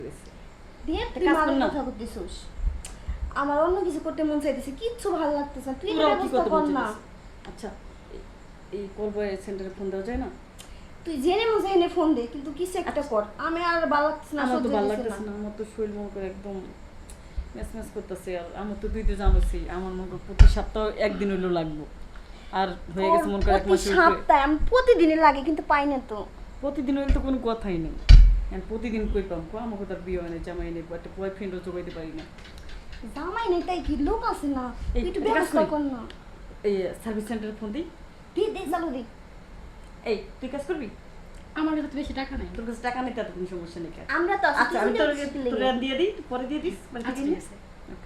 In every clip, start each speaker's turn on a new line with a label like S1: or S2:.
S1: দিয়ে তুই মার কথা করতেছিস। আমার অন্য কিছু করতে মন চাইতেছে, কিচ্ছু ভালো লাগতেছে না। তুই এটা ব্যবস্থা কর না।
S2: আচ্ছা এই করবো সেন্টারে ফোন দেওয়া যায় না?
S1: তুই জেনে মন চাইনে ফোন দে, কিন্তু কিছু একটা কর। আমি আর ভালো লাগতেছে না,
S2: আমার তো
S1: সহ্য
S2: ভালো
S1: হইতেছে
S2: লাগতেছে
S1: না।
S2: না, আমার তো শরীর মন করে একদম ম্যাচ করতেছে। আর আমার তো তুই তো জানোসই আমার মন করে প্রতি সপ্তাহ একদিন হইলেও লাগবো। আর হয়ে গেছে মন করে এক মাস
S1: প্রতি সপ্তাহে আমি প্রতিদিনই লাগে, কিন্তু পাই না তো।
S2: প্রতিদিন হইলে তো কোনো কথাই নেই। প্রতিদিন কই পাম কো আমাকে তার বিয়ে হয় না, জামাই নেই, একটা বয়ফ্রেন্ডও জোগাইতে পারি না।
S1: জামাই নেই তাই কি, লোক আছে না,
S2: এই
S1: তুই একটু
S2: একটা কাজ
S1: ব্যবস্থা
S2: করি।
S1: কর না।
S2: এই সার্ভিস সেন্টারে ফোন দিই।
S1: তুই দে, চালু দে।
S2: এই তুই কাজ করবি?
S3: আমার কাছে তো বেশি টাকা নাই।
S2: তোর কাছে টাকা নেই তাতে কোনো সমস্যা নেই।
S1: আমরা তো
S2: আচ্ছা আমি তোর দিয়ে দিই, পরে দিয়ে দিস।
S3: আচ্ছা ঠিক আছে।
S2: ওকে।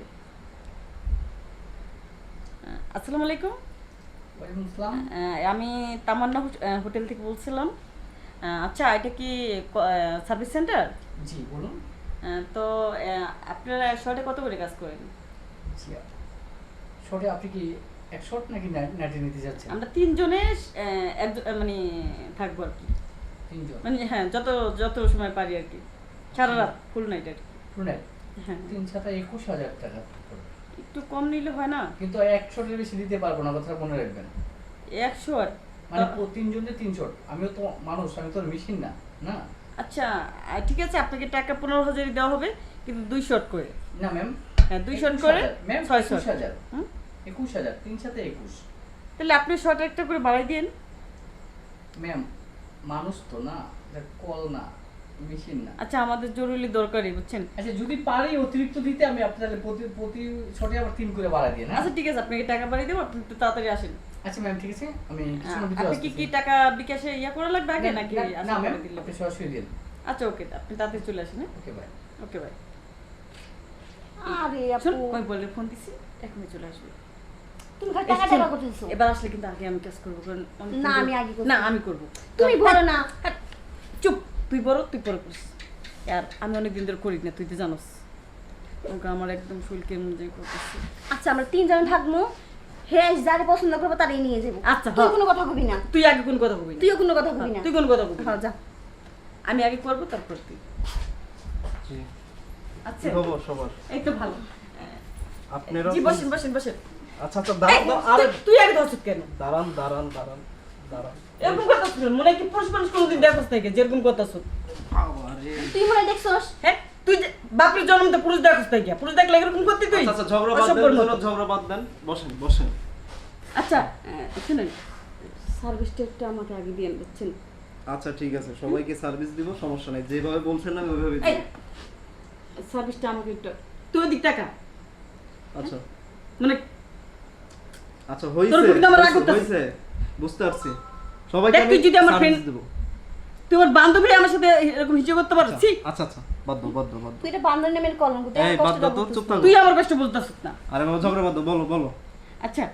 S2: আসসালামু আলাইকুম।
S4: ওয়ালাইকুম আসসালাম।
S2: আমি তামান্না হোটেল থেকে বলছিলাম। আচ্ছা এটা কি সার্ভিস সেন্টার?
S4: জি বলুন।
S2: তো আপনারা শর্টে কত করে কাজ করেন?
S4: জি শর্টে আপনি কি এক শর্ট নাকি নাইটে নিতে যাচ্ছেন?
S2: আমরা তিনজনে মানে থাকবো আর কি,
S4: তিনজন
S2: মানে হ্যাঁ যত যত সময় পারি আর কি, সারা রাত ফুল নাইট আর কি।
S4: ফুল নাইট
S2: হ্যাঁ
S4: 3,21,000 টাকা পড়বে।
S2: একটু কম নিলে হয় না?
S4: কিন্তু এক শর্টের বেশি দিতে পারবো না, কথা মনে রাখবেন।
S2: 100 আর
S4: মানে তিনজনে 3 শর্ট। আমিও তো মানুষ, আমি তো মেশিন না। না
S2: আচ্ছা ঠিক আছে, আপনাকে টাকা 15,000 দেওয়া হবে, কিন্তু 2 শর্ট করে।
S4: না ম্যাম,
S2: হ্যাঁ 2 শর্ট করে
S4: ম্যাম
S2: 6 শর্ট।
S4: 21,000 21,000 3 সাথে 21।
S2: তাহলে আপনি শর্ট একটা করে বাড়াই দিন।
S4: ম্যাম মানুষ তো না, কল না, মেশিন না।
S2: আচ্ছা আমাদের জরুরি দরকারই, বুঝছেন?
S4: আচ্ছা যদি পারি অতিরিক্ত দিতে আমি আপনাদের প্রতি শর্টে আবার 3 করে বাড়া দিয়ে না।
S2: আচ্ছা ঠিক আছে, আপনাকে টাকা বাড়িয়ে দেবো, আপনি একটু তাড়াতাড়ি আসেন।
S4: আচ্ছা ম্যাম ঠিক আছে, আমি কিছুক্ষণের ভিতরে
S2: আপনি কি
S4: আসতেছি।
S2: টাকা বিকাশে করা লাগবে আগে নাকি
S4: না
S2: আসলে
S4: ম্যাম,
S2: করে দিলে?
S4: আপনি সরাসরি দিন।
S2: আচ্ছা ওকে, আপনি তাড়াতাড়ি চলে আসেন।
S4: Okay bye.
S2: ওকে ভাই।
S1: আরে
S2: শোন,
S1: আপু,
S2: কই বলে ফোন দিছি, এখনই চলে আসবে।
S1: তুমি খালি টাকা টাকা করতেছো।
S2: এবার আসলে কিন্তু আগে আমি কাজ করবো, কারণ
S1: না, আমি আগে করবো।
S2: না আমি করবো।
S1: তুমি বলো না।
S2: চুপ, তুই বড়, তুই পরে করিস। আর আমি অনেকদিন ধরে করি না, তুই তো জানোস। ওকে আমার একদম শরীর কেমন যে করতেছে।
S1: আচ্ছা আমরা তিনজন থাকবো, হ্যাঁ যারে পছন্দ করবো তারই নিয়ে যাবো।
S2: আচ্ছা,
S1: তুই
S2: হ্যাঁ।
S1: কোনো কথা কবি না।
S2: তুই আগে কোন কথা কবি না।
S1: তুইও কোনো কথা কবি না।
S2: তুই কোন কথা কবি না।
S1: হ্যাঁ যা।
S2: আমি আগে করবো তারপর তুই।
S5: জি
S2: আচ্ছা
S5: কি খবর সবার?
S2: এই তো ভালো।
S5: আপনারা
S2: জি বসেন বসেন বসেন।
S5: আচ্ছা আচ্ছা
S2: এই,
S5: দাঁড়ান আরে
S2: তুই আগে ধরছিস কেন?
S5: দাঁড়ান দাঁড়ান দাঁড়ান দাঁড়ান
S2: এরকম কথা শুনুন, মনে হয় কি পুরুষ মানুষ কোনোদিন দেখোস থেকে যেরকম কথা শুন।
S5: আরে
S1: তুই মনে হয় দেখছস?
S2: হ্যাঁ তুই বাপের জন্ম তো পুরুষ দেখোস থেকে, পুরুষ দেখলে এরকম করতে তুই?
S5: আচ্ছা আচ্ছা ঝগড়া বাদ
S2: অসভ্যর
S5: দেন,
S2: মতো।
S5: ঝগড়া বাদ দেন, বসেন বসেন।
S2: আচ্ছা শুনুন, সার্ভিসটা একটু আমাকে আগে দিয়ে বুঝছেন?
S5: আচ্ছা ঠিক আছে, সবাইকে সার্ভিস দিব, সমস্যা নাই, যেভাবে বলছেন না ওইভাবে
S2: এই
S5: দিব।
S2: সার্ভিসটা আমাকে একটু, তুই ওদিক টাকা
S5: আচ্ছা
S2: মানে
S5: আচ্ছা
S2: তোর প্রতি আমার রাগ
S5: হইছে
S2: করতেছে।
S5: হইছে বুঝতে পারছি, সবাইকে
S2: দেখ,
S5: আমি
S2: তুই যদি আমার
S5: সার্ভিস
S2: friend-
S5: দিব।
S2: তুই আমার বান্ধবী আমার সাথে এরকম হিসেবে করতে পারছিস?
S5: আচ্ছা আচ্ছা বাদ দাও বাদ দাও বাদ দাও।
S1: তুই এটা বান্ধব নামের কলঙ্ক। তুই
S5: এই
S1: আমার
S5: বাদ
S1: কষ্টটা
S5: দাও তো,
S1: বুঝতেছিস
S5: চুপ
S1: না।
S5: থাকো।
S2: তুই আমার কষ্ট বলতেছিস না।
S5: আরে বাবা ঝগড়া বাদ দাও, বলো বলো।
S2: আচ্ছা